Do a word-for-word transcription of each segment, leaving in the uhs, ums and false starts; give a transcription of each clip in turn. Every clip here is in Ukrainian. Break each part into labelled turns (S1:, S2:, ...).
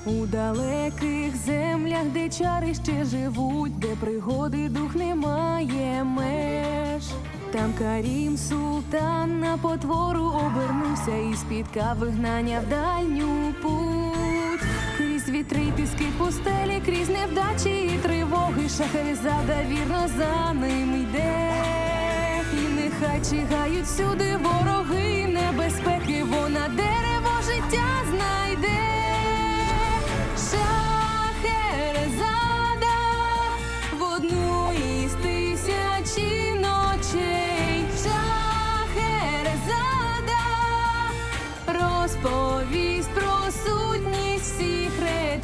S1: У далеких землях, де чари ще живуть, де пригоди дух не має меж. Там Карім султан на потвору обернувся і спіткав вигнання в дальню путь. Крізь вітри й піски пустелі, крізь невдачі і тривоги, Шахерезада вірно за ним йде. І нехай чигають всюди вороги, небезпеки, вона дерево життя знайде. Шахерезада в одну із тисячі ночей. Шахерезада розповість про сутність всіх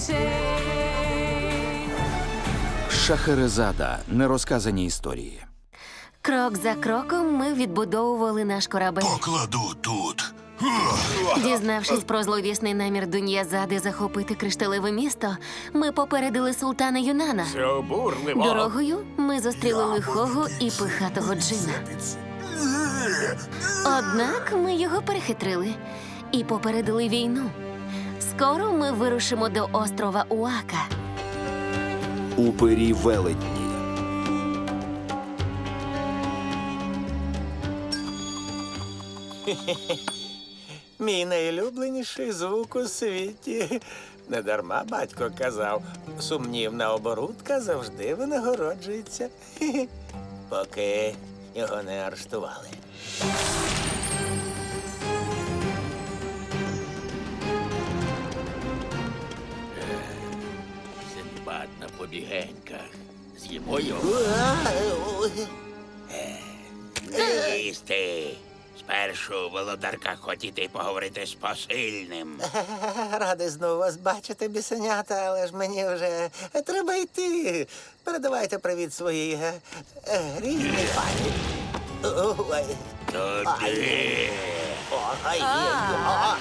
S1: речей.
S2: Шахерезада. Нерозказані історії.
S3: Крок за кроком ми відбудовували наш корабель.
S4: Покладу тут.
S3: Дізнавшись про зловісний намір Дуньязади захопити кришталеве місто, ми попередили султана Юнана.
S5: Це обурливо.
S3: Дорогою ми зустріли лихого і пихатого джина. Однак ми його перехитрили і попередили війну. Скоро ми вирушимо до острова Уака.
S2: Упирі велетні.
S6: Мій найулюбленіший звук у світі. Недарма батько казав, сумнівна оборудка завжди винагороджується. Хе-хе. Поки його не арештували.
S5: Синдбад на побігеньках. З'їмо його. Їсти. Спершу, володарка, хотіти поговорити з посильним.
S6: Радий знову вас бачити, бісенята, але ж мені вже треба йти. Передавайте привіт своїй е, е, рідній пані. Ой.
S5: Туди.
S6: Ой, ой.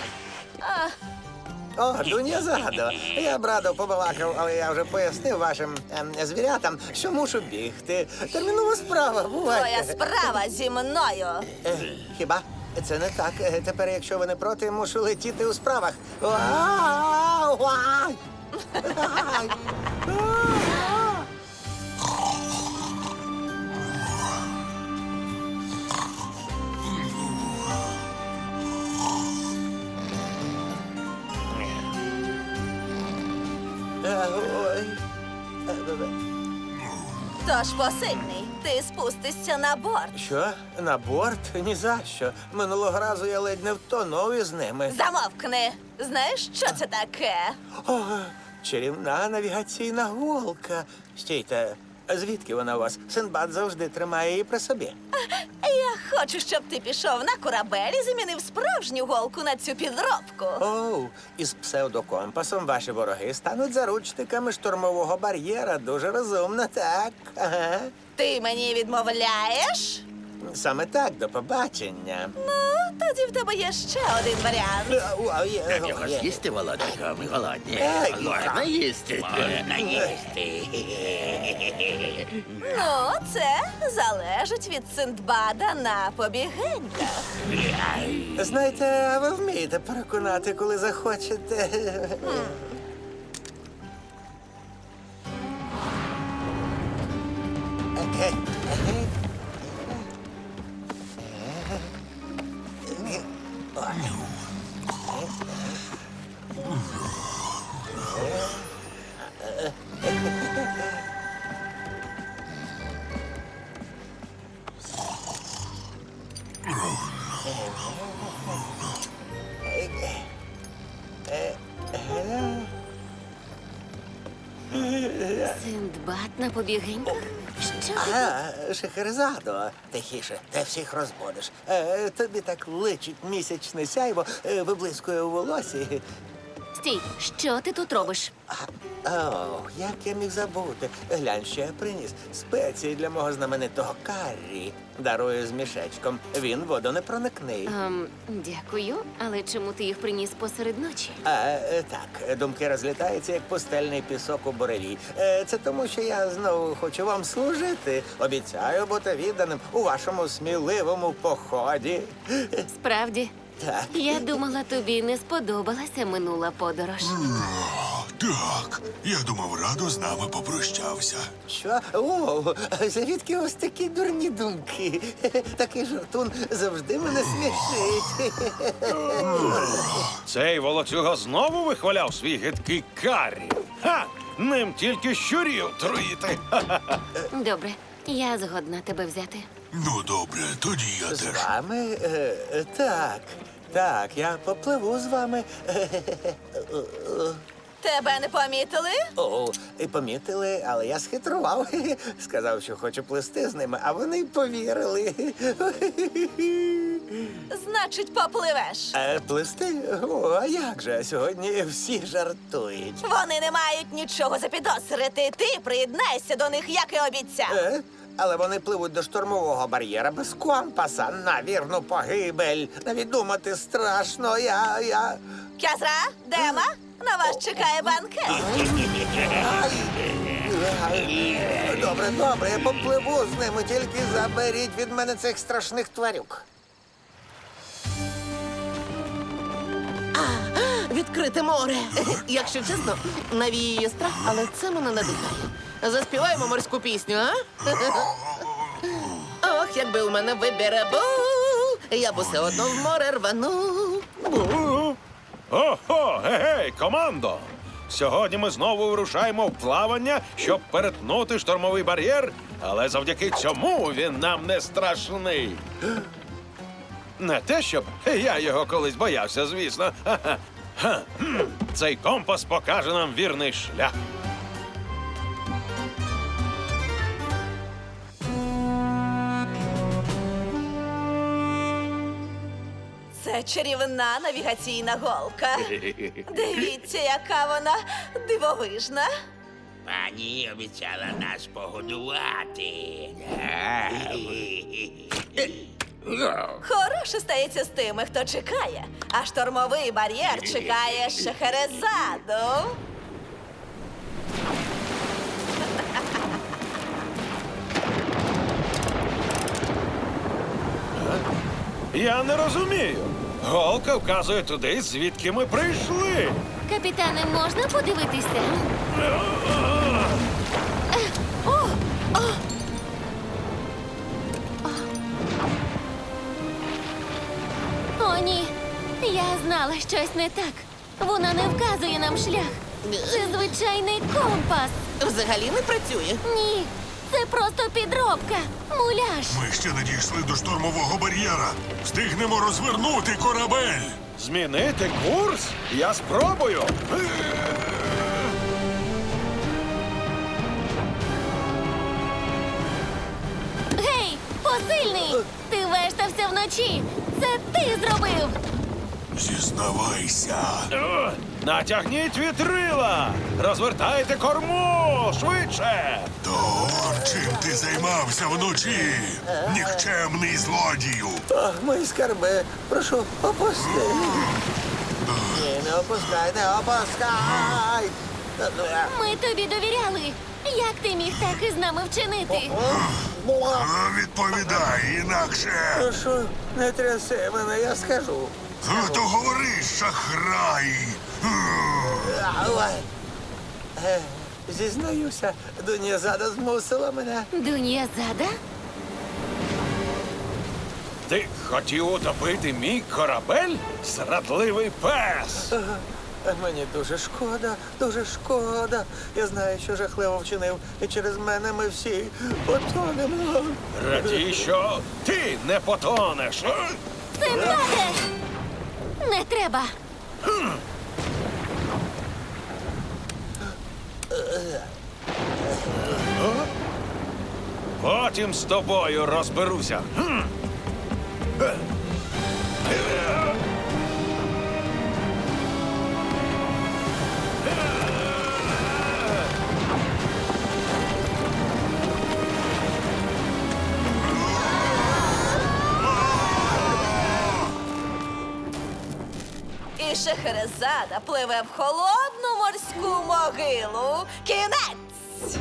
S6: О, Дуньязадо, я б радо побалакав, але я вже пояснив вашим ем, звірятам, що мушу бігти. Термінова справа, бувайте.
S7: Твоя справа зі мною.
S6: Е, Хіба? Це не так. Е, Тепер, якщо ви не проти, мушу летіти у справах. Вау! Вау! Ай! Е, ой. Е, бе-бе.
S7: Тож, посильний, ти спустишся на борт.
S6: Що? На борт? Ні за що. Минулого разу я ледь не втонув із ними.
S7: Замовкни. Знаєш, що це таке?
S6: О, чарівна навігаційна голка. Стійте, а звідки вона у вас? Синдбад завжди тримає її при собі.
S7: Я хочу, щоб ти пішов на корабель і замінив справжню голку на цю підробку.
S6: Оу, із псевдокомпасом ваші вороги стануть заручниками штурмового бар'єра. Дуже розумно, так. Ага.
S7: Ти мені відмовляєш?
S6: Саме так, до побачення.
S7: Ну, тоді в тебе є ще один варіант.
S6: Ой,
S5: Так його
S6: ой,
S5: з'їсти, володарка, ми голодні.
S6: Ей,
S5: Можна їсти. Можна їсти.
S7: Ну, це залежить від Синдбада на побігеньках.
S6: Знаєте, а ви вмієте переконати, коли захочете.
S3: Синдбад на побігеньках? Що ти?
S6: А, Шахерезадо, тихіше, ти всіх розбудиш. Е, тобі так личить місячне сяйво, е, виблискує у волосі.
S3: Стій, що ти тут робиш?
S6: О, як я міг забути. Глянь, що я приніс. Спеції для мого знаменитого каррі. Дарую з мішечком. Він водонепроникний.
S3: Ем, дякую, але чому ти їх приніс посеред ночі?
S6: А, е, так, думки розлітаються, як пустельний пісок у буреві. Е, Це тому, що я знову хочу вам служити. Обіцяю бути відданим у вашому сміливому поході.
S3: Справді?
S6: Так.
S3: Я думала, тобі не сподобалася минула подорож.
S4: Так, я думав, Радо з нами попрощався.
S6: Що? О, звідки ось такі дурні думки? Такий жартун завжди мене смішить.
S8: Цей волоцюга знову вихваляв свій гидкий карі. Ха! Ним тільки щурів труїти. Ха-ха-ха.
S3: Добре, я згодна тебе взяти.
S4: Ну, добре, тоді я
S6: З
S4: теж.
S6: вами? Е, Так, так, я попливу з вами.
S7: Тебе не помітили?
S6: О, і помітили, але я схитрував. Сказав, що хочу плисти з ними, а вони й повірили.
S7: Значить, попливеш.
S6: Е, Плисти? О, а як же? Сьогодні всі жартують.
S7: Вони не мають нічого запідозрити. Ти приєднайся до них, як і обіцяв.
S6: Е? Але вони пливуть до штурмового бар'єра без компаса на вірну погибель. Навіть думати страшно, я, я...
S7: Кязра, Дема, на вас чекає банкет.
S6: Добре, добре, я попливу з ними, тільки заберіть від мене цих страшних тварюк.
S9: Відкрите море. Якщо чесно, навіює страх, але це мене надихає. Заспіваємо морську пісню, а? Ох, якби у мене вибір був, я б усе одно в море рванув.
S8: Ого, гей, командо! Сьогодні ми знову вирушаємо в плавання, щоб перетнути штормовий бар'єр, але завдяки цьому він нам не страшний. Не те, щоб я його колись боявся, звісно. Ха-ха. Ха, хм. Цей компас покаже нам вірний шлях.
S7: Це чарівна навігаційна голка. Дивіться, яка вона дивовижна.
S5: Пані обіцяла нас погодувати.
S7: Хороше стається з тими, хто чекає, а штормовий бар'єр чекає Шахерезаду.
S8: Я не розумію. Голка вказує туди, звідки ми прийшли.
S3: Капітане, можна подивитися? Е, о, о. О, ні. Я знала, щось не так. Вона не вказує нам шлях. Це звичайний компас.
S9: Взагалі не працює.
S3: Ні, це просто підробка. Муляж.
S4: Ми ще не дійшли до штормового бар'єра. Встигнемо розвернути корабель.
S8: Змінити курс? Я спробую.
S3: Гей, посильний! Ти вештався вночі. Це ти зробив.
S4: Зізнавайся.
S8: О, натягніть вітрила! Розвертайте корму! Швидше!
S4: То он чим ти займався вночі? Нікчемний злодію.
S6: О, мої скарби, прошу, опусти. Ні, не опускай, не опускай.
S3: Ми тобі довіряли. Як ти міг так із нами вчинити?
S4: А, Відповідай, інакше.
S6: Прошу, не тряси мене, я скажу.
S4: А, То говори, шахрай.
S6: Ой. Е, Зізнаюся, Дуньязада змусила мене.
S3: Дуньязада?
S8: Ти хотів утопити мій корабель? Зрадливий пес!
S6: Е, Мені дуже шкода, дуже шкода. Я знаю, що жахливо вчинив, і через мене ми всі потонемо.
S8: Радій, що ти не потонеш.
S3: Це владе! Не треба.
S8: Потім з тобою розберуся. Хм.
S7: І Шахерезада пливе в холодну морську могилу. Кінець!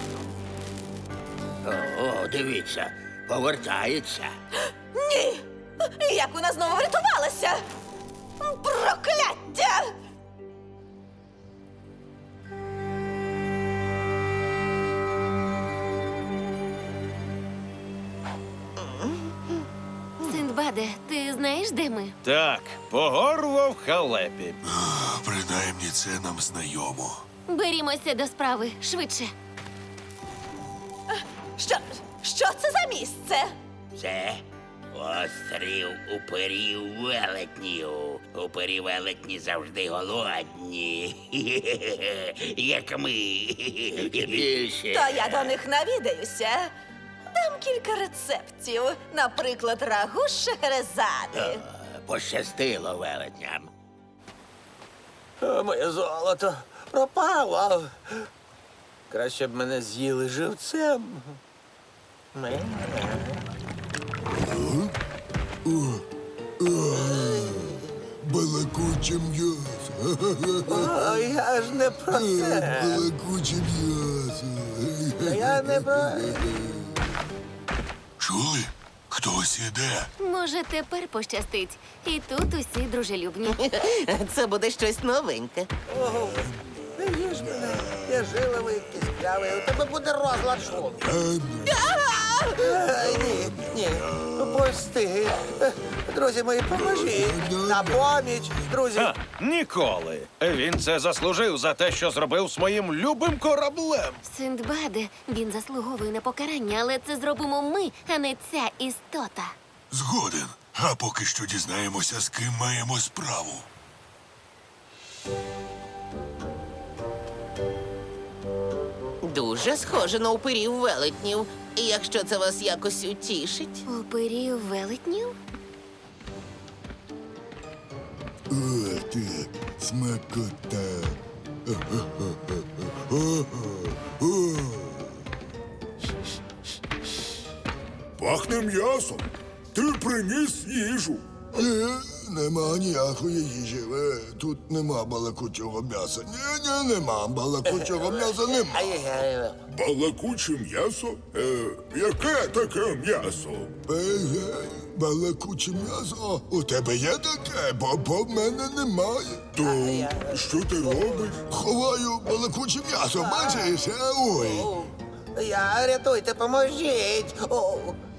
S5: О, дивіться, повертається.
S7: Ні! Як вона знову врятувалася? Прокляття!
S3: Синдбаде, ти знаєш, де ми?
S8: Так, по горло в халепі.
S4: Принаймні це нам знайомо.
S3: Берімося до справи швидше.
S7: Що, що це за місце?
S5: Це острів уперів велетнів. Упері велетні завжди голодні. Як ми. Більше.
S7: То я до них навідаюся. Дам кілька рецептів, наприклад, рагу з шахерезади.
S5: Пощастило велетням.
S6: О, моє золото пропало. Краще б мене з'їли живцем. Ме.
S10: Балакуче м'ясо.
S6: О, я ж не про це.
S10: Балакуче м'ясо.
S6: Я не про...
S4: Чули? Хтось іде.
S3: Може, тепер пощастить. І тут усі дружелюбні.
S9: Це буде щось новеньке.
S6: Ого, не їж мене. Я жиловий, кістлявий. У тебе буде розлад шлунку. Е, Ні, ні. Пусти. Е, Друзі мої, поможіть. На поміч, друзі.
S8: Ха, ніколи. Він це заслужив за те, що зробив з моїм любим кораблем.
S3: Синдбаде, він заслуговує на покарання, але це зробимо ми, а не ця істота.
S4: Згоден. А поки що дізнаємося, з ким маємо справу.
S9: Дуже схоже на упирів велетнів. Якщо це вас якось утішить.
S3: Оперів велетнів?
S10: О, так, смакота.
S4: Пахне м'ясом. Ти приніс їжу.
S10: Ні, нема ніякої їжі. Е, Тут нема балакучого м'яса. Ні, ні, нема балакучого м'яса, нема.
S6: Ай-яй-яй.
S4: Балакуче м'ясо? Е, яке таке м'ясо?
S10: Егей, балакуче м'ясо. О, у тебе є таке, бо, бо в мене немає.
S4: То що ти робиш?
S10: Ховаю балакуче м'ясо, бачиш? Е, Ой.
S6: О, Я, рятуйте, поможіть. О,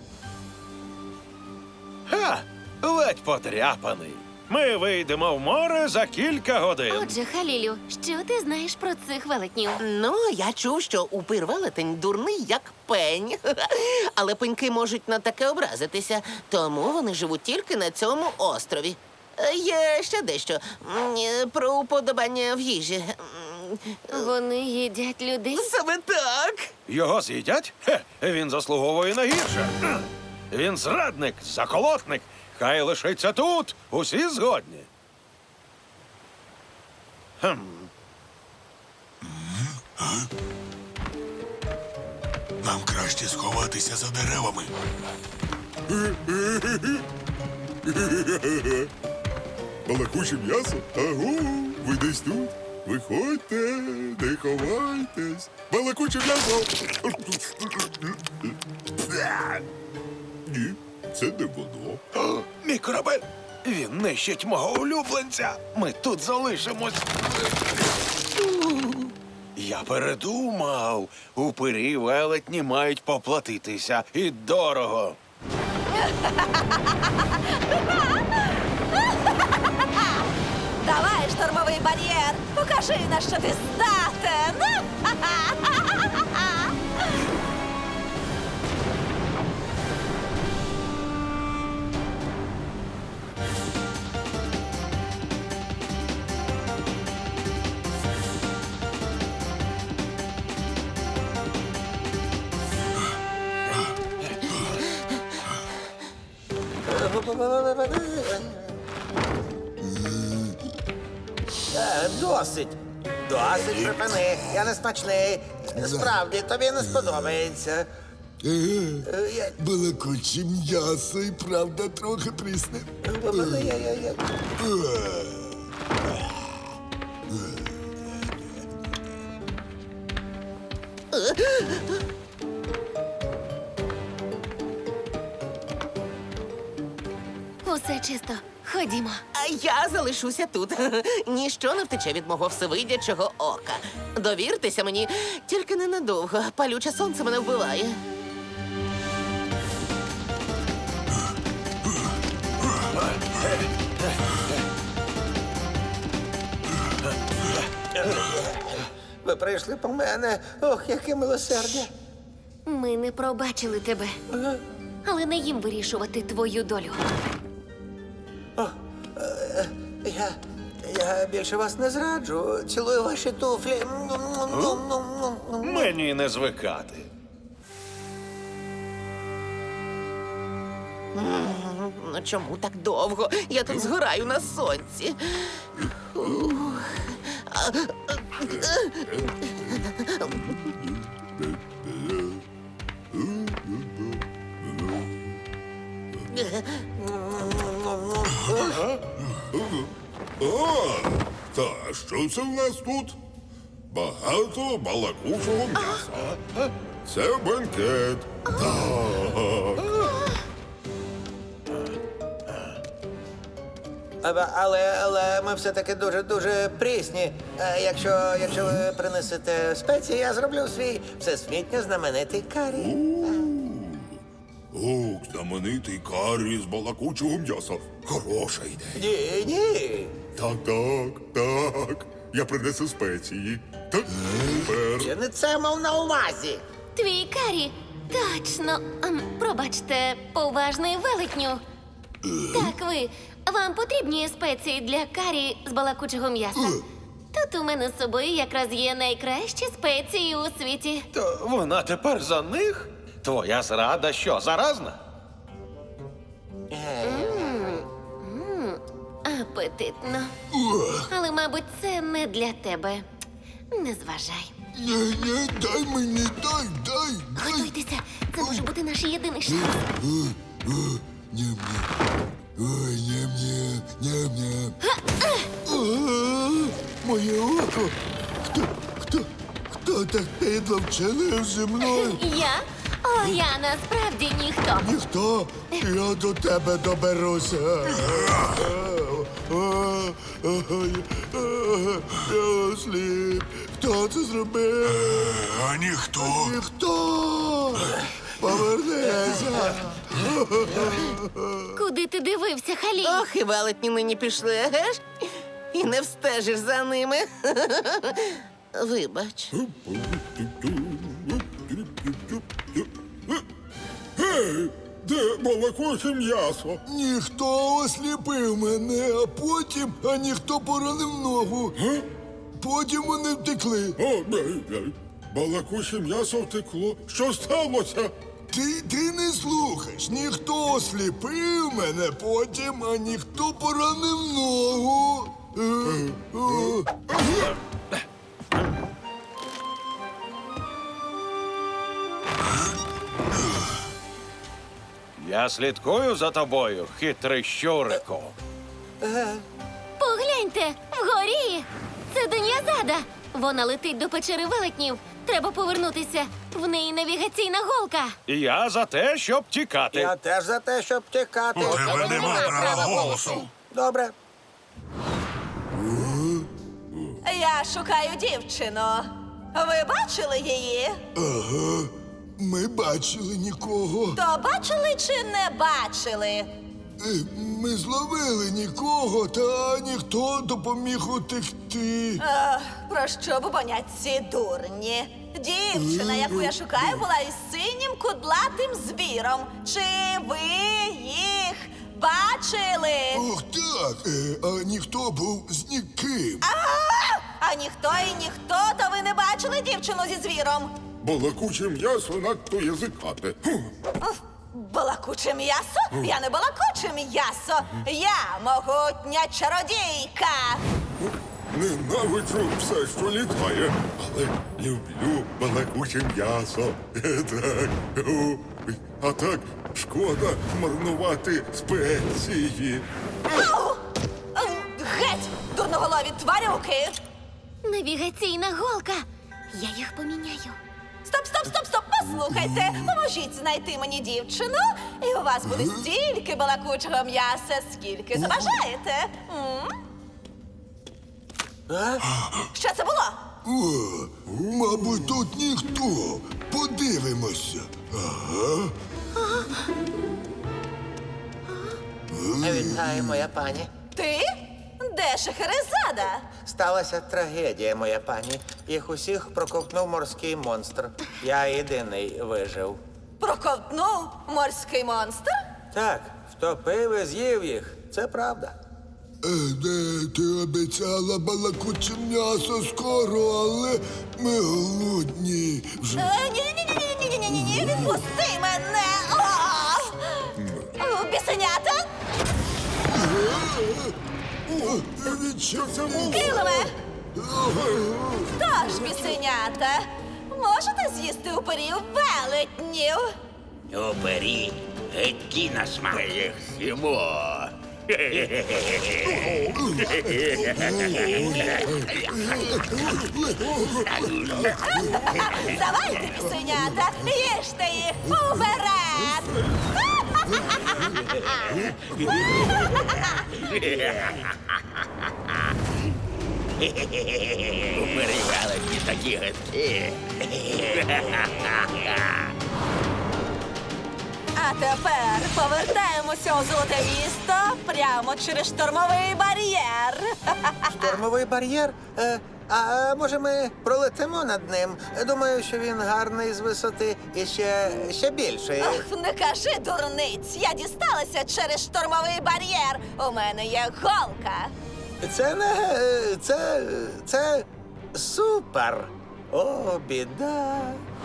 S8: Ха! Ледь подряпаний. Ми вийдемо в море за кілька годин.
S3: Отже, Халілю, що ти знаєш про цих велетнів?
S9: Ну, я чув, що упир велетень дурний, як пень. Але пеньки можуть на таке образитися, тому вони живуть тільки на цьому острові. Е, Є ще дещо М, е, про уподобання в їжі. М,
S3: Вони їдять людей?
S9: Саме так.
S8: Його з'їдять? Хе, він заслуговує на гірше. Кхм. Він зрадник, заколотник. Хай лишиться тут. Усі згодні. Хм.
S4: Нам краще сховатися за деревами. Балакуче м'ясо? Агу, ви десь тут? Виходьте, не ховайтесь. Балакуче м'ясо. Ні, це не воно.
S8: О, мій корабель! Він нищить мого улюбленця. Ми тут залишимось. Я передумав. Упирі велетні мають поплатитися. І дорого.
S7: Давай, штормовий бар'єр! Покажи, на що ти здатен!
S6: Е, Досить. Досить, припини. Я не смачний. Справді, тобі не сподобається.
S10: Еге,
S6: Е, я-
S10: балакуче м'ясо і правда трохи прісне.
S6: я- я- я-
S10: Е,
S3: Усе чисто. Ходімо.
S9: А я залишуся тут. Ніщо не втече від мого всевидячого ока. Довіртеся мені, тільки ненадовго. Палюче сонце мене вбиває.
S6: Ви прийшли по мене. Ох, яке милосердя.
S3: Ми не пробачили тебе. Але не їм вирішувати твою долю.
S6: Я. Я більше вас не зраджу. Цілую ваші туфлі.
S8: Мені не звикати.
S9: Ну чому так довго? Я тут згораю на сонці. Ух. А,
S10: О, та що це в нас тут? Багато балакучого м'яса. Це бенкет. Так.
S6: Але, але, але ми все-таки дуже-дуже прісні. Е, Якщо, якщо ви принесете спеції, я зроблю свій всесвітньо знаменитий карі.
S10: Ох, знаменитий карі з балакучого м'яса. Хороша ідея.
S6: Ні, ні.
S10: Так, так, так. Я принесу спеції. Так, тепер.
S6: Я не це мав на увазі.
S3: Твій карі. Точно. Ем, Пробачте, поважний велетню. Так, ви. Вам потрібні спеції для карі з балакучого м'яса? Тут у мене з собою якраз є найкращі спеції у світі.
S8: То вона тепер за них? Твоя зрада що, заразна?
S3: Апетитно. Але, мабуть, це не для тебе. Не зважай.
S10: Ні, ні, дай мені, дай, дай, дай.
S3: Готуйтеся. Це може бути наш єдиний шанс.
S10: Ням-ням. Ой, ням-ням, ням-ням. А, моє око. Хто, хто, хто так підло вчинив зі мною?
S3: Я? О, я насправді ніхто.
S10: Ніхто, я до тебе доберуся. Я осліп. Хто це зробив?
S4: А ніхто.
S10: Ніхто. Повернися.
S3: Куди ти дивився, Халі?
S9: Ох, і велетні нині пішли, еге ж? І не встежиш за ними. Вибач.
S10: Гей, де балакуче м'ясо? Ніхто осліпив мене, а потім, а ніхто поранив ногу. Потім вони втекли. О, балакуче м'ясо втекло. Що сталося? Ти, ти не слухаєш. Ніхто осліпив мене потім, а ніхто поранив ногу. Е, е.
S8: Я слідкую за тобою, хитрий щурику.
S3: Погляньте, вгорі! Це Дон'язада. Вона летить до печери велетнів. Треба повернутися. В неї навігаційна голка.
S8: І я за те, щоб тікати.
S6: Я теж за те, щоб тікати.
S4: У тебе нема права голосу.
S6: Добре.
S7: Я шукаю дівчину. Ви бачили її?
S10: Ага, ми бачили нікого.
S7: То бачили чи не бачили?
S10: Е, Ми зловили нікого, та ніхто допоміг утекти.
S7: Ех, про що бубонять ці дурні? Дівчина, яку я шукаю, була із синім кудлатим звіром. Чи ви їх бачили?
S10: Ох так, е, а ніхто був з ніким.
S7: А ніхто і ніхто, то ви не бачили дівчину зі звіром?
S10: Балакуче м'ясо надто язикате.
S7: Уф, балакуче м'ясо? Я не балакуче м'ясо. Я могутня чародійка.
S10: Ненавиджу все, що літає, але люблю балакуче м'ясо. Е, Так. О, а так шкода марнувати спеції.
S7: Ау! Ау! Геть, дурноголові тварюки!
S3: Навігаційна голка. Я їх поміняю.
S7: Стоп, стоп, стоп, стоп! Послухайте, поможіть знайти мені дівчину, і у вас буде стільки балакучого м'яса, скільки забажаєте. М? Що це було?
S10: О, мабуть, тут ніхто. Подивимося. Ага.
S6: Вітаю, моя пані.
S7: Ти? Де Шахерезада?
S6: Сталася трагедія, моя пані. Їх усіх проковтнув морський монстр. Я єдиний вижив.
S7: Проковтнув морський монстр?
S6: Так, втопив і з'їв їх. Це правда.
S10: Е, де ти обіцяла балакуче м'ясо скоро, але ми голодні. Вже
S7: Е, Ні-ні-ні-ні-ні-ні-ні-ні, відпусти мене! О! Бісенята? Килиме! Тож, бісенята, можете з'їсти уперів велетнів?
S5: Убері, геть на смак. Їх з'їмо.
S7: Давайте, бісенята, їжте їх уперед!
S5: Убері велетні такі гидкі.
S7: А тепер повертаємося у золоте місто прямо через штормовий бар'єр.
S6: Штормовий бар'єр? Е, а може ми пролетимо над ним? Думаю, що він гарний з висоти і ще, ще більший.
S7: Ох, не кажи, дурниць, я дісталася через штормовий бар'єр. У мене є голка.
S6: Це не. е, Це. Це супер. О, біда.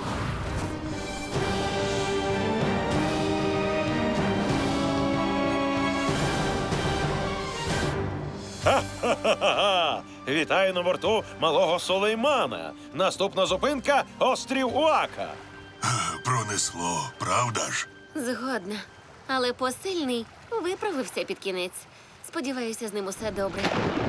S8: Ха-ха-ха! Вітаю на борту малого Сулеймана. Наступна зупинка – острів Уака.
S4: Пронесло, правда ж?
S3: Згодна. Але посильний виправився під кінець. Сподіваюся, з ним усе добре.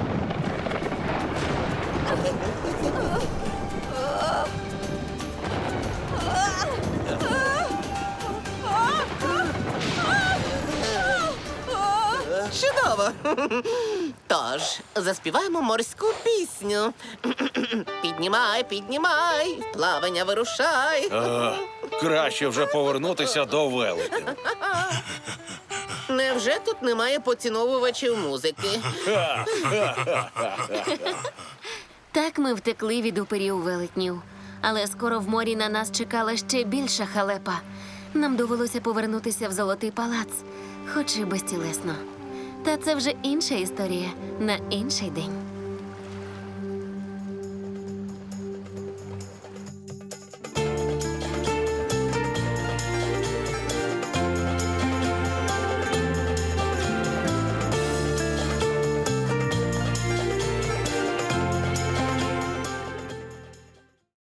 S9: Чудово! Тож, заспіваємо морську пісню. Піднімай, піднімай, в плавання вирушай.
S8: А, краще вже повернутися до велетня.
S9: Невже тут немає поціновувачів музики?
S3: Так ми втекли від уперів велетнів. Але скоро в морі на нас чекала ще більша халепа. Нам довелося повернутися в Золотий палац, хоч і безтілесно. Та це вже інша історія на інший день.